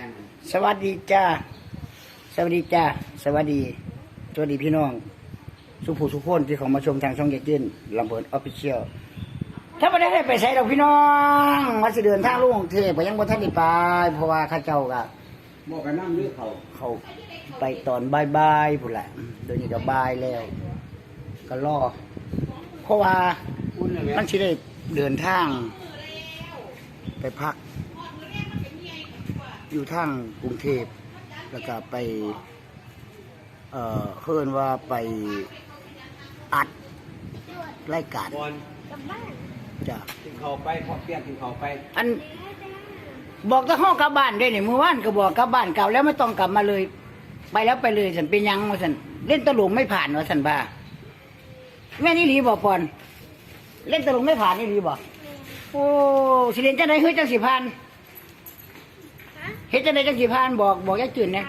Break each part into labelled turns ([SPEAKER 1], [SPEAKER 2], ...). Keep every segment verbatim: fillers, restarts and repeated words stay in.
[SPEAKER 1] สวัสดีจ้าสวัสดีจ้าสวัสดีสวัสดีพี่น้องสุภูสุขคนที่เขามาชมทางช่องเด็กยื่นลำเพินออฟฟิเชียลถ้าไม่ได้ไปใส่ดอกพี่น้องมาสิเดินทางลุงเทพไปยังบนท่านได้ไปเพราะว่าข้าเจ้าก็
[SPEAKER 2] บอกกันนั่งด้วยเขา
[SPEAKER 1] เขาไปตอนบ่ายๆพุ่นแหละเดี๋ยวนี้ก็บ่ายแล้วก็รอเพราะว่ามันสิได้เดินทางไปพักอยู่ทางกรุงเทพแล้วก็ไปเอ่อเพิ่นว่าไปอัดรายการจ้ะ
[SPEAKER 2] กินเขาไปพอเปียกกินเขาไป
[SPEAKER 1] อันบอกตะห้องกลับบ้านได้เนี่ยเมื่อวานก็บอกกลับบ้านเก่าแล้วไม่ต้องกลับมาเลยไปแล้วไปเลยสันเป็นยังว่าสันเล่นตลกไม่ผ่านว่าสันบ้าแม่นี่หลีบอกปอนเล่นตลกไม่ผ่านนี่หลีบอกโอ้สิเรียนจังได๋เฮ้ยจังสิผ่านเฮ็ดจังได๋จังสิผ่านบอกบอกยายจื่นนะ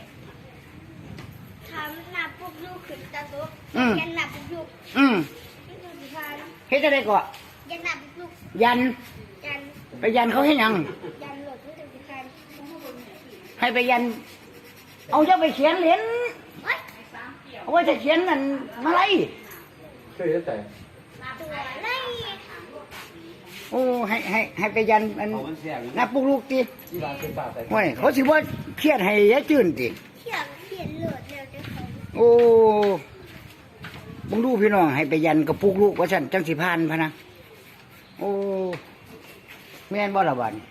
[SPEAKER 3] ทำหน้าปุ๊บลูกขึ้นตาตุ๊กยันหน้าปุ๊บลูก
[SPEAKER 1] อืมเฮ็ดจังได๋ก็
[SPEAKER 3] ยันหน้าปุ๊บลูก
[SPEAKER 1] ยัน
[SPEAKER 3] ยัน
[SPEAKER 1] ไปยันเขาให้ยัง
[SPEAKER 3] ยันหลดเพื่อจะสิผ่าน
[SPEAKER 1] ให้ไปยันเอาเจ้าไปเขียนเหรียญเอาไว้จะเขียนนั่นมาไล่
[SPEAKER 2] ช่วยแต่
[SPEAKER 3] ตัวไล่
[SPEAKER 1] โอ้ให้ให้ให้ไปยันอันนับปุกลูกตีโอ้ยเขาสิว่าเครียดให้ยายจื่นตี
[SPEAKER 3] เขียนเขียนหลดเร็วจะเขา
[SPEAKER 1] โอ้บังดูพี่น้องให้ไปยันกับปุกลูกว่าฉันจังสิพานพะนะโอ้แม่นบ่ละบัน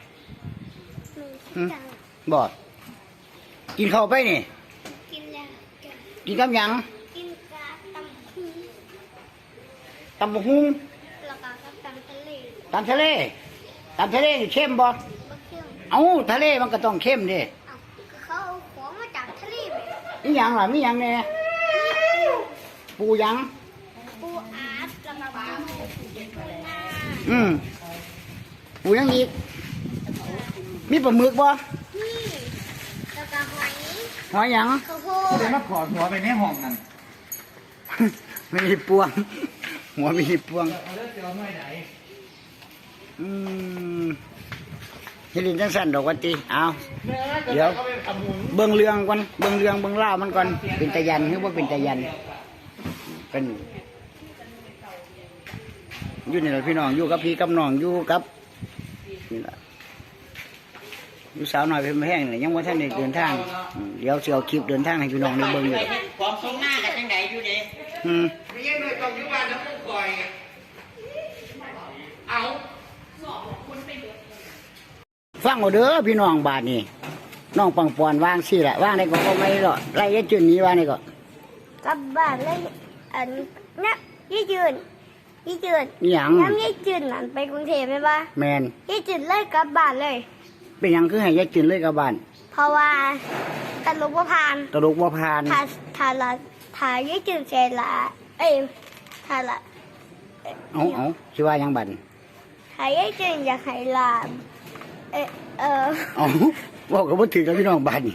[SPEAKER 1] บ่กินข้าวไปนี่
[SPEAKER 3] กินแล้ว
[SPEAKER 1] กินกับหยัง
[SPEAKER 3] กินกาตำหุ้ง
[SPEAKER 1] ตำบักหุ่ง
[SPEAKER 3] แล้วก็ตำทะเล
[SPEAKER 1] ตำทะเลตำทะเลนี่เข้มบ่เอ้าทะเลมันก็ต้องเข้มดิ
[SPEAKER 3] เขาเอาของมาจากทะเลไป
[SPEAKER 1] มีหยังล่ะมีหยังแน่ปูหยัง
[SPEAKER 3] ปูอาร์ตแล้วก็ปูนา
[SPEAKER 1] อืมปูหยังอีกมีปลาหมึกบ่
[SPEAKER 3] นี่แล้วก็หอย
[SPEAKER 1] หอยหยัง
[SPEAKER 3] ข้าวโพด
[SPEAKER 2] เดี๋ยวมาขอหัวไปในห้องนั่น
[SPEAKER 1] ไม่มีปวงหัวไม่มีปวงอืมเฮลินจังสันดอกวันตีเอาเดี๋ยวเบิ่งเรื่องก่อนเบิ่งเรื่องเบิ่งเล่ามันก่อนเป็นตะยันหรือว่าเป็นตะยันเป็นอยู่นี่แหละพี่น้องอยู่กับพี่กับน้องอยู่กับนี่แหละอยู่สาวหน่อยเป็นแห้งเลยยังว่าท่านเดินทางเดี๋ยวเสียวคลิปเดินทางให้พี่น้องได้เบิ่งอยู่
[SPEAKER 4] ความสมหน้ากันจังไดอยู่เด้
[SPEAKER 1] อืม
[SPEAKER 4] ไม่ใช่เลยต้องอยู่บ้านแล้วก็คอยเอา
[SPEAKER 1] ฟังเอาเด้อพี่น้องบาทนี่น้องปังปอนวางสิแหละวางได้ก็ไม่หรอกไล่ยายจืนนี้วางได้ก็
[SPEAKER 3] กลับบ้านเลยอันนี้ยี่จืนยี่จืน
[SPEAKER 1] ยัง
[SPEAKER 3] น้ำยี่จืนนั่นไปกรุงเทพไหมบ้า
[SPEAKER 1] แมน
[SPEAKER 3] ยี่จืนเลยกลับบ้านเลย
[SPEAKER 1] เป็นยังคือให้ยายจืนเลยกับบ้าน
[SPEAKER 3] เพราะว่าตลกว่าพาน
[SPEAKER 1] ตลกว่าพาน
[SPEAKER 3] ถ้าถ้าละถ้ายี่จืนเสร็จละเอ้ยถ้าละ
[SPEAKER 1] เอาเอาชื่อว่ายังบัน
[SPEAKER 3] ถ้ายี่จืนอยากให้ละเออเออ
[SPEAKER 1] เอาบอกกับว่าถือกับพี่น้องบ้าน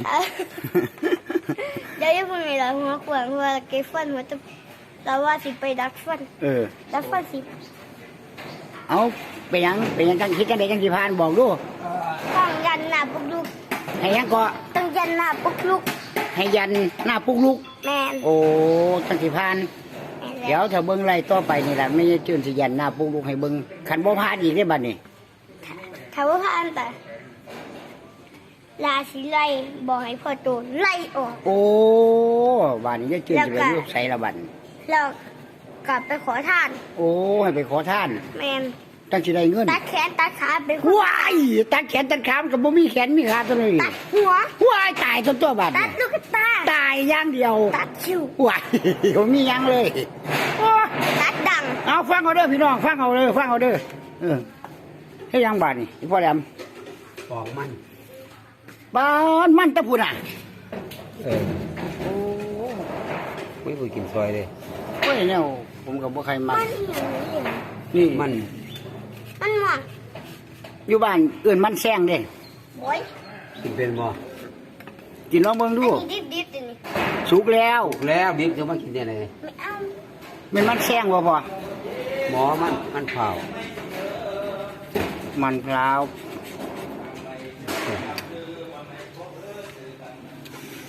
[SPEAKER 3] เดี๋ยวยังไม่มีเราหัวขวางหัวเก็บฟันหัวจะเราว่าสิไปดักฟัน
[SPEAKER 1] เออ
[SPEAKER 3] ดักฟันสิ
[SPEAKER 1] เอาไปยังไปยังกันคิดกันได้กันกี่พานบอกดู
[SPEAKER 3] ต้องยันหน้าปุกลุก
[SPEAKER 1] ให้ยังก็
[SPEAKER 3] ต้องยันหน้าปุกลุก
[SPEAKER 1] ให้ยันหน้าปุกลุก
[SPEAKER 3] แม่
[SPEAKER 1] โอ้กันกี่พานเดี๋ยวถ้าเบิ้งไรต่อไปนี่แหละไม่จืนสิยันหน้าปุกลุกให้เบิ้งขันบ่พานอีกได้บ้านนี่
[SPEAKER 3] ถ้าว่าพานแต่ลาสิไล่บอกให้พ่อโตไล่ออก
[SPEAKER 1] โอ้บ้านนี้จะจืนจะเป็นลูกใส่ละบัน
[SPEAKER 3] แล้วกลับไปขอทาน
[SPEAKER 1] โอ้ให้ไปขอทาน
[SPEAKER 3] แมน
[SPEAKER 1] ตั้งสิได้เงิน
[SPEAKER 3] ตัดแขนตัดขาไป
[SPEAKER 1] ว้ายตัดแขนตัดขากับบ่มีแขนมีขาตัวนี้
[SPEAKER 3] ตัดหัว
[SPEAKER 1] ว้ายตายตัวตัวบาด
[SPEAKER 3] ตัดลูกตา
[SPEAKER 1] ตายอย่างเดียว
[SPEAKER 3] ตัดคิ้ว
[SPEAKER 1] ว้ายบ่มียังเลย
[SPEAKER 3] ตัดดัง
[SPEAKER 1] เอาฟังเอาเด้อพี่น้องฟังเอาเด้อฟังเอาเด้อเออให้ยังบาดนี่พ่อแหลม
[SPEAKER 2] ปอกมัน
[SPEAKER 1] บ้านมันตะพูน่ะ
[SPEAKER 2] เออโอ้ไม่ไปกินซอยเลย
[SPEAKER 1] โอ้ยเนี่ยผมกับบ่ใครมา
[SPEAKER 2] นี่มัน
[SPEAKER 3] มันหวาน
[SPEAKER 1] อยู่บ้านอื่นมันแซงเด้
[SPEAKER 3] โอ้ย
[SPEAKER 2] กินเป็นบ่
[SPEAKER 1] กินลองเบิ่งดู
[SPEAKER 3] ดิบดิบดิบ
[SPEAKER 1] สุกแล้ว
[SPEAKER 2] แล้วบิ๊กจะมากินได้ไง
[SPEAKER 3] ไม่เอา
[SPEAKER 1] มันมันแซงบ่พอ
[SPEAKER 2] หมอมันมันเผา
[SPEAKER 1] มันพร้าว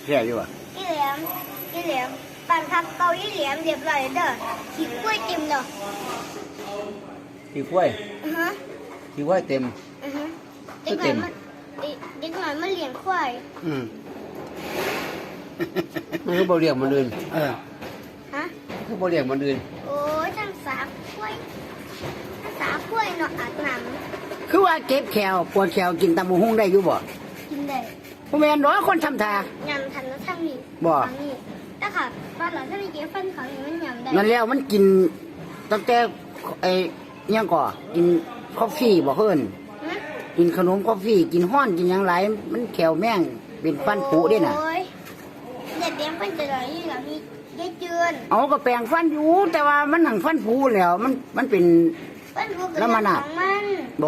[SPEAKER 1] ค่อยู่อ่ะ
[SPEAKER 3] อีเหลียมอีเหลียมปั่นพักเกาอีเหลียมเรียบร้อยเด้อขี้กล้วยเต็มเด้อ
[SPEAKER 2] ขี้กล้วย
[SPEAKER 3] อือฮะ
[SPEAKER 2] ขี้กล้วยเต็ม
[SPEAKER 3] อือฮะเด็กหน่อยมันเด็กหน่อยมันเลี้ยงควาย
[SPEAKER 1] อืม
[SPEAKER 2] มันก็บ่เรียกมันอื่น
[SPEAKER 1] เออ
[SPEAKER 3] ฮะ
[SPEAKER 2] ก็บ่เรียกมันอื่น
[SPEAKER 3] โอ้ยทั้งสาควายทั้งสาควายเนาะอาบน้
[SPEAKER 1] คือว่าเก็บแขวปวดแขวกินตำบักหุ่งได้อยู่บ่
[SPEAKER 3] ำกินได้
[SPEAKER 1] บ่แม่นดอกคนทำทา
[SPEAKER 3] ยำทันแล้วทั้งนี้
[SPEAKER 1] บ่
[SPEAKER 3] ทั้งนี้แต่ค่ะตอนหลังถ้ามีเก็บฟันเขาอย่างมันยำได้
[SPEAKER 1] นั่นแล้วมันกินตั้งแต่ไอ้อิหยังก่อกินกาแฟบ่เพิ่น
[SPEAKER 3] ฮะ
[SPEAKER 1] กินขนมกาแฟกินห้อนกินหยังหลายมันแขวแม่งเป็นฟันผุเด้น่ะ
[SPEAKER 3] โอ้ยเด็กเลี้ยงฟันจะไหลอยู่หลังนี้ยายเจือน
[SPEAKER 1] เอาก็แปรงฟันอยู่แต่ว่ามันหนังฟันผุแล้วมันมันเป็น
[SPEAKER 3] ฟันผูก
[SPEAKER 1] แล้วมันอะ
[SPEAKER 3] ของมัน
[SPEAKER 1] บ่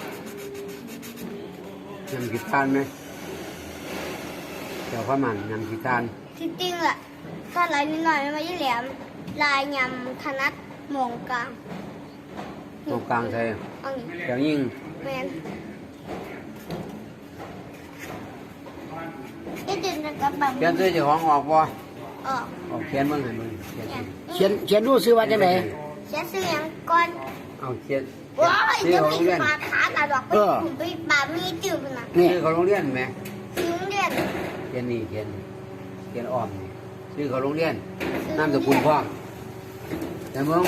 [SPEAKER 2] ยำขี้ตาลไหมเจ้าข้าวมันยำขี้ตาล
[SPEAKER 3] จริงๆอะถ้าไหลนิดหน่อยมันไม่ได้แหลมลายยำถนัดหมองกลาง
[SPEAKER 2] ตรงกลางใส่
[SPEAKER 3] เอาอย่าง
[SPEAKER 2] แถวยิง
[SPEAKER 3] แมนยายเจือนจะกลับบ้าน
[SPEAKER 2] เขียนซื้อเจ้าของออกบ่
[SPEAKER 3] ออก
[SPEAKER 2] ออกเขียนเบิ่งให้มึงเขียน
[SPEAKER 3] เนี่ย
[SPEAKER 1] เขียนเขียนดูซื้อว่าจังได๋
[SPEAKER 3] เสียเสียงก่อน
[SPEAKER 2] เอาเขียน
[SPEAKER 3] ว้าย
[SPEAKER 2] ซื้อ
[SPEAKER 3] จะ
[SPEAKER 2] ของ
[SPEAKER 3] มี
[SPEAKER 2] โรงเรียน
[SPEAKER 3] ปลาขาตาดอกไปผมไปปลามีจืดนะ
[SPEAKER 1] นี่
[SPEAKER 2] ซื้อของโรงเรียนไหม
[SPEAKER 3] ซื้อเรียน
[SPEAKER 2] เขียนนี่เขียนเขียนอ้อมนี่ซื้อของโรงเรียนนามสกุลพ่อแต่เมือง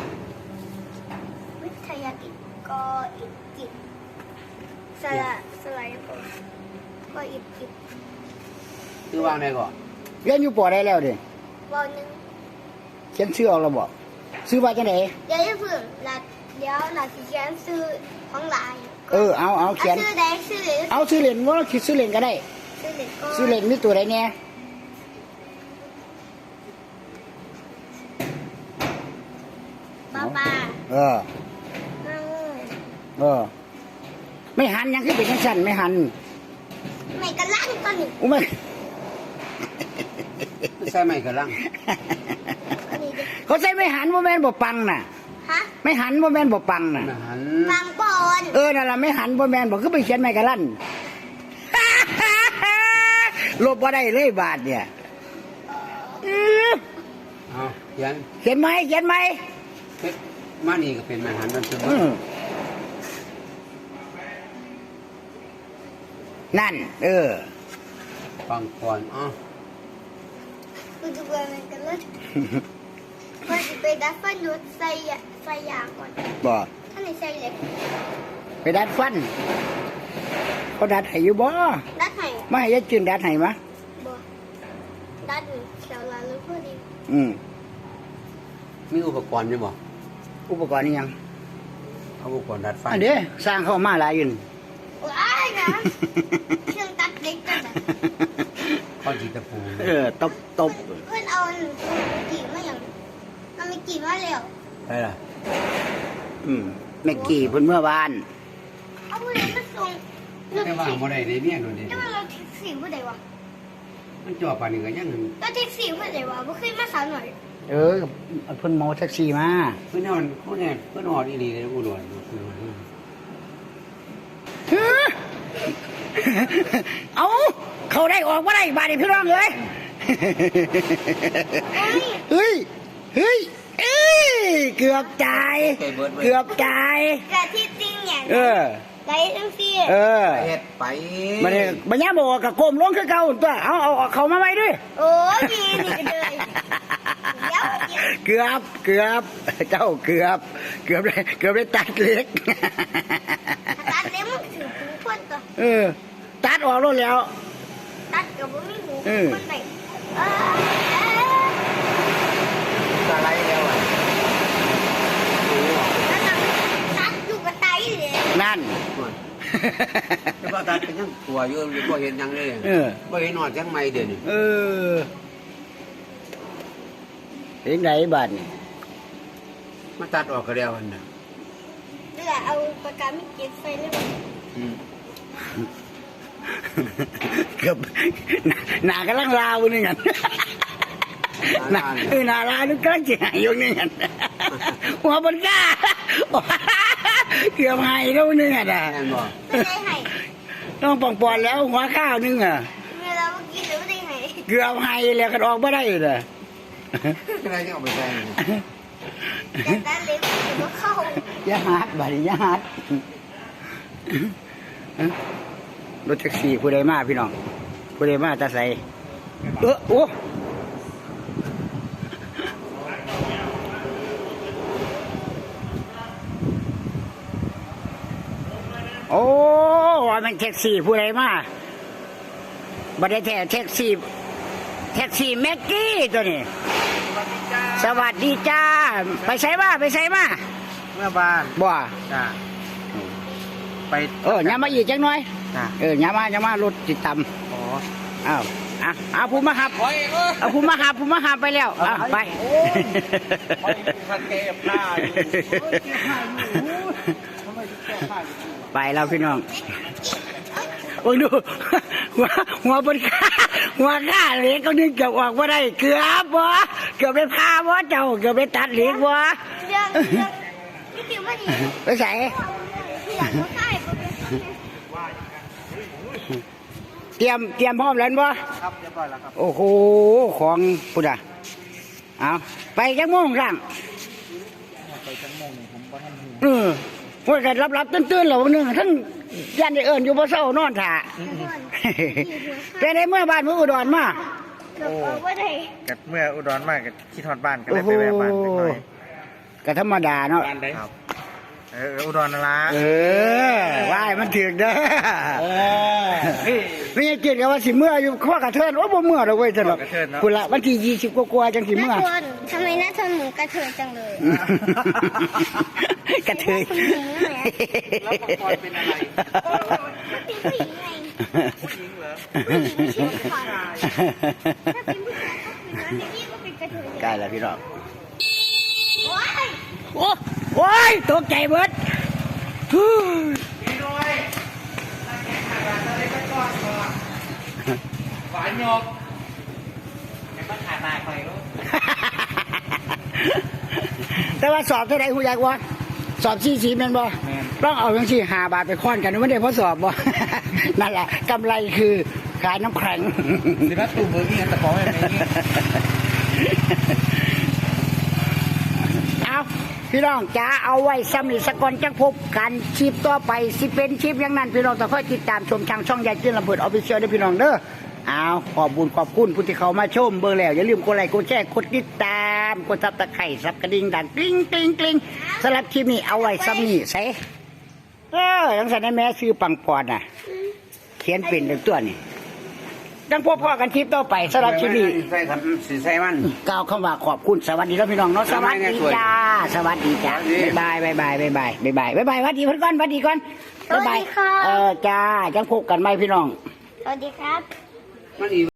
[SPEAKER 3] วิทยากิจกออิกิจสละสลายก่อนกออิกิจ
[SPEAKER 2] ซื้อวางได้ก่อน
[SPEAKER 1] เรียนอยู่ปอได้แล้วเด้
[SPEAKER 3] วอลหนึ่ง
[SPEAKER 1] เขียนชื่อเอาแล้วบ่ซื้อว่าจังได๋
[SPEAKER 3] เดี๋ยวจะเพิ่งหลัดเดี๋ยวหลัดสิเขียนซื้อของหลาย
[SPEAKER 1] เออเอาเอาเขียน
[SPEAKER 3] ซื้อแดงซื้อเหลือง
[SPEAKER 1] เอาซื้อเล่นบ่คิดซื้อเล่นก็ได้
[SPEAKER 3] ซื้อเหลืองก็
[SPEAKER 1] ซื้อเล่นมีตัวใดแน่
[SPEAKER 3] ป้าป้า
[SPEAKER 1] เออ
[SPEAKER 3] เอ้า
[SPEAKER 1] เออ ไม่หันยังคือเป็นจังซั่นไม่หัน
[SPEAKER 3] ไม่กระลังตอนนี้
[SPEAKER 1] อุ้ย
[SPEAKER 2] ใส่ไม้กระลัง
[SPEAKER 3] อันนี้ดิ
[SPEAKER 1] เขาใส่ไม่หันบ่แม่นบ่ปังน่ะ
[SPEAKER 3] ฮะ
[SPEAKER 1] ไม่หันบ่แม่นบ่ปังน่ะ
[SPEAKER 2] ไม่หัน
[SPEAKER 3] ฟังก่อน
[SPEAKER 1] เออนั่นล่ะไม่หันบ่แม่นบ่คือไปเขียนไม่กะลั่น ลบบ่ได้เลยบาทเนี่ยอื้อ
[SPEAKER 2] เอาเขียน
[SPEAKER 1] เขียนไหมเขียนไหม
[SPEAKER 2] เฮ็ดมานี่ก็เป็นไม่หันมันคือ
[SPEAKER 1] อืมนั่น เออ
[SPEAKER 2] ฟังก่อนอ๋อ
[SPEAKER 3] กูจะไปมันกันเลยพอจะไปดัดฟันยุดใส่ยาใส่ยาก่อน
[SPEAKER 1] บ่
[SPEAKER 3] ถ้าไม่ใส่เหล็ก
[SPEAKER 1] ไปดัดฟัน เขาดัดให้อยู่บ่
[SPEAKER 3] ดัดไหน
[SPEAKER 1] มาให้ยายจืนดัดให้มะ
[SPEAKER 3] บ่ดัดเขียวลาลูกพอดี
[SPEAKER 1] อืม
[SPEAKER 2] มีอุปกรณ์อยู่บ่
[SPEAKER 1] อุปกรณ์นี่ยัง
[SPEAKER 2] เอาอุปกรณ์ดัดฟัน
[SPEAKER 1] อันเด้สร้างเข้ามาหลายอยู่นี่
[SPEAKER 3] ว้ายนะเครื่องตัดเล็กจังเลย
[SPEAKER 2] ข้อจีตะปู
[SPEAKER 1] เออ ตบตบ
[SPEAKER 3] เพื่อนเอากี่มาอย่างมันมีกี่มาแล้ว
[SPEAKER 2] ไปล่ะ
[SPEAKER 1] อืมแม่กี่เพิ่นเมื่อวาน
[SPEAKER 3] เอาผู้ใดมาส่ง
[SPEAKER 2] แต่ว่าบ่ได้ได้เมียโดนเด้
[SPEAKER 3] แต่ว่าเราแท็กซี่ผู้ใดวะ
[SPEAKER 2] มันจ่อปานนี้ก็ยัง
[SPEAKER 3] เราแท็กซี่ผู้ใดวะบ่เคยมาสาวหน่อย
[SPEAKER 1] เออเพิ่นเมาแท็กซี่มา
[SPEAKER 2] เพิ่นนอนเพิ่นเนี่ยเพิ่นนอนอีหลีเลยอุดรเพิ่นนอน
[SPEAKER 1] เฮ้อเอาเขาได้ออกมาได้บาดนี้พี่น้องเอ้ย
[SPEAKER 3] เฮ้ย
[SPEAKER 1] เฮ้ย เฮ้ย เอ้ย เกือบตาย เกือบตาย
[SPEAKER 3] แต่ที่จริงเนี่ย
[SPEAKER 1] เออ
[SPEAKER 3] ได้ทั้งสี่
[SPEAKER 1] เออ
[SPEAKER 2] เฮ็ดไป
[SPEAKER 1] มันเนี่ยมันย่าบอกกับกลมลงคือเก่าตัว เอาเอาเอาเขามาไว้ด้วย
[SPEAKER 3] โอ้ยมีนี่ก็เลยเดี๋ยว
[SPEAKER 1] เกือบ เกือบ เจ้าเกือบ เกือบได้เกือบได้ตัดเล็ก
[SPEAKER 3] ตัดเล็บมันถือหูคนตัว
[SPEAKER 1] เออ ตัดออกแล้วแล้ว
[SPEAKER 3] ตัดกับบ่มีหู
[SPEAKER 1] เออ
[SPEAKER 3] คนไหนเออ
[SPEAKER 2] สไลด์แล้วอ่ะ
[SPEAKER 3] นั่นน่ะตัดอยู่กับไตเลย
[SPEAKER 1] นั่น
[SPEAKER 2] แต่ว่าตัดเป็นยังตัวอยู่บ่เห็นหยังเลย
[SPEAKER 1] เออ
[SPEAKER 2] บ่เห็นนอนจังไม่เดี๋ยวนี้
[SPEAKER 1] เออเห็นไหนบ้านนี่
[SPEAKER 2] มาตัดออกก็แล้วหั่นน่ะ
[SPEAKER 3] เดี๋ยวเอาปากกาไม่เก็บใส่เลยบ่
[SPEAKER 2] อืม
[SPEAKER 1] เกือบหนากำลังลาวนี่ไงหนาเออหนาลาวนี่กำลังจะหายอยู่นี่ไงหัวบนก้าเกือบหายแล้วนี่ไงอ่ะ
[SPEAKER 2] แม่นบ่
[SPEAKER 3] ไม่ได้ให้
[SPEAKER 1] ต้องปองปอนแล้วหัวข้าวนึงอ่ะ
[SPEAKER 3] เวลาเมื่อกี้หรือไม่ได้ให้
[SPEAKER 1] เกือบให้แล้วก็ออกไม่ได้เลย
[SPEAKER 2] ก็ได้ที่เอาไปใส่
[SPEAKER 3] แต่ด้านเล็กมันก็เข้า
[SPEAKER 1] อย่าหัดบัดนี้อย่าหัดรถแท็กซี่ผู้ใดมาพี่น้องผู้ใดมาจะใส่เออโอ้โอ้ว่ามันแท็กซี่ผู้ใดมาบัดได้แท้แท็กซี่แท็กซี่แม็กกี้ตัวนี้สวัสดีจ้าไปใส่มาไปใส่มา
[SPEAKER 2] เมื่อบ้าน
[SPEAKER 1] บ่
[SPEAKER 2] จ้าไป
[SPEAKER 1] เออย้ำมาอีกจังหน่อย
[SPEAKER 2] จ้า
[SPEAKER 1] เออย้ำมาย้ำมารถติดต
[SPEAKER 2] อ๋อ
[SPEAKER 1] ำอ้าวอ่ะเอาผู้มาหับ
[SPEAKER 2] โอ้ยเออ
[SPEAKER 1] เอาผู้มาหับผู้มาหับไปแล้วอ่ะไป
[SPEAKER 2] พันเก็บผ้าอยู่ทำไมถึงแก้ผ้าอยู่
[SPEAKER 1] ไปแล้วพี่น้องโอ้ยดูหัวหัวบนขาหัวขาเหล็กก็นึงเกือบออกว่าได้เกือบวะเกือบไปพาวะเจ้าเกือบไปตัดเหล็กวะ
[SPEAKER 3] เรื่องเรื่องพี่ติ๋วมาดี
[SPEAKER 1] ไปใส่
[SPEAKER 3] พี่อยากมาใส่ก็เป็น
[SPEAKER 1] เตรียมเตรียมพร้อมแล้ววะ
[SPEAKER 2] ครับเรียบร้อยแล้วครับ
[SPEAKER 1] โอ้โหของพุทธะเอาไปจังโมงร่าง
[SPEAKER 2] ไปจังโมงหนึ่งผมก็ทำหู
[SPEAKER 1] เออพวกกันรับรับๆตื่นๆเหล่านึงทั้งยันได้เอิญอยู่บ่เศร้านอนถ่า แต่ในเมื่อบ้านเมื่ออุดรมา
[SPEAKER 3] เกือบเอาไว้ได้
[SPEAKER 5] กับเมื่ออุดรมากกับที่ทอดบ้านก็เลยไปแวะบ้านเล็กน้อย
[SPEAKER 1] ก็ธรรมดาเนาะ
[SPEAKER 5] ครับเอออุดรนั่นละ
[SPEAKER 1] เออว่ายมันถึกเด้อไม่ใช่เกียรติกับว่าสิเมื่ออยู่ข้อกระเทินโอ้บ่เมื่อดอกเว้ยจังหรอกคุณละวันที่ยี่สิบกว่าๆจังสิ
[SPEAKER 3] น้า
[SPEAKER 1] เมื่อ
[SPEAKER 3] ทนทำไมน้าทนเหมือนกระเทยจังเลย
[SPEAKER 1] กระเทย
[SPEAKER 3] คุณหญิงเหรอ
[SPEAKER 2] แล้วปกรณ์เป็นอะไร
[SPEAKER 3] เป็นผู้หญิงไง
[SPEAKER 2] ผู้หญิงเหรอ
[SPEAKER 3] ผู้หญิงไม่ใช่ผู้ชายถ้าเป็นผู้ชายก็คือน้าเจนี่ก็เป็นกระเทย
[SPEAKER 1] ใกล้แล้วพี่น้อง
[SPEAKER 3] โอ๊ย
[SPEAKER 1] โอ้โอ้ยตกใจเบิดฮู้
[SPEAKER 2] พี่ด้วยถ้าแกขาดอะไรก็ก้อนก่อนหวานยกแกก็ขาดตายไปแล้ว
[SPEAKER 1] แต่ว่าสอบเท่าไหร่หูอยากวะสอบสี่สีแม่นบ่ต้องเอาทั้งสี่หาบาทไปค้อนกันไม่ได้เพราะสอบบ่ นั่นแหละกำไรคือขายน้ำแข็ง
[SPEAKER 2] สิบัตตูเบอร์กี้ตะกอแบบนี้
[SPEAKER 1] เอาพี่น้องจ๋าเอาไว้ซ้ำนี่สกอนจังพบกันชีพต่อไปสิเป็นชีพอย่างนั้นพี่น้องต้องคอยติดตามชมทางช่องยายจื้นลำเพิดออฟฟิเชียลด้วยพี่น้องเด้อเอาขอบบุญขอบคุณผู้ที่เขามาชมเบอร์แล้วอย่าลืมกดไลค์กดแชร์กดติดตามกดซับตะไคร่ซับกระดิ่งดังกริ๊งกริ๊งกริ๊งสำหรับคลิปนี้เอาไว้ซ้ำนี่ใส่เออทั้งสันแม่ซื้อปังปอนน่ะ เขียนเป็นเป็นตัวนี่ดังพบพ่อกันคลิปต่อไปสำหรับคลิปนี้
[SPEAKER 2] ใส่ครับสีใส่มัน
[SPEAKER 1] กล่าวคำว่าขอบคุณสวัสดีแล้วพี่น้องเนาะสวัสดีจ้าสวัสดีจ้าบ๊ายบายบ๊ายบายบ๊ายบายบ๊ายบายบ๊ายบายบ๊ายบายสวัสดีเพื่อนก่อนสวัสดีก่อนบ๊ายบายเออจ้าจังพบกันไหมพี่น้อง
[SPEAKER 3] สวัสดีครับ
[SPEAKER 2] มันอี